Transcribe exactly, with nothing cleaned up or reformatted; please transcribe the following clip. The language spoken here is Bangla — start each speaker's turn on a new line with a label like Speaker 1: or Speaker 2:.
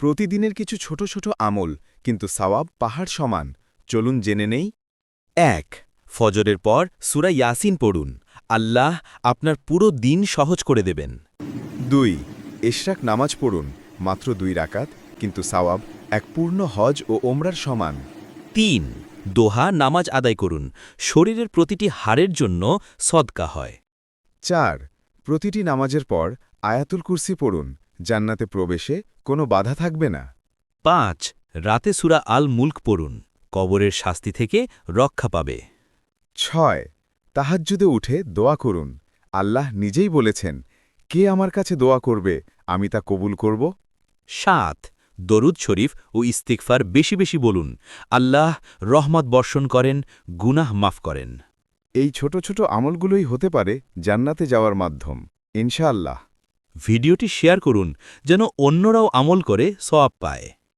Speaker 1: প্রতিদিনের কিছু ছোট ছোট আমল কিন্তু সওয়াব পাহাড় সমান। চলুন জেনে নেই।
Speaker 2: এক ফজরের পর সূরা ইয়াসিন পড়ুন। আল্লাহ আপনার পুরো দিন সহজ করে দেবেন।
Speaker 1: দুই ইশরাক নামাজ পড়ুন, মাত্র দুই রাকাত, কিন্তু সওয়াব এক পূর্ণ হজ ও ওমরার সমান।
Speaker 2: তিন দোহা নামাজ আদায় করুন, শরীরের প্রতিটি হাড়ের জন্য সদকা হয়।
Speaker 1: চার প্রতিটি নামাজের পর আয়াতুল কুরসি পড়ুন, জান্নাতে প্রবেশে কোনো বাধা থাকবে না।
Speaker 2: পাঁচ রাতে সূরা আল মুলক পড়ুন, কবরের শাস্তি থেকে রক্ষা পাবে।
Speaker 1: ছয় তাহাজ্জুদে উঠে দোয়া করুন, আল্লাহ নিজেই বলেছেন, কে আমার কাছে দোয়া করবে আমি তা কবুল করব।
Speaker 2: সাত দরুদ শরীফ ও ইস্তিগফার বেশি বেশি বলুন, আল্লাহ রহমত বর্ষণ করেন, গুনাহ মাফ করেন।
Speaker 1: এই ছোট ছোট আমলগুলোই হতে পারে জান্নাতে যাওয়ার মাধ্যম, ইনশাআল্লাহ।
Speaker 2: ভিডিওটি শেয়ার করুন যেন অন্যরাও আমল করে সওয়াব পায়।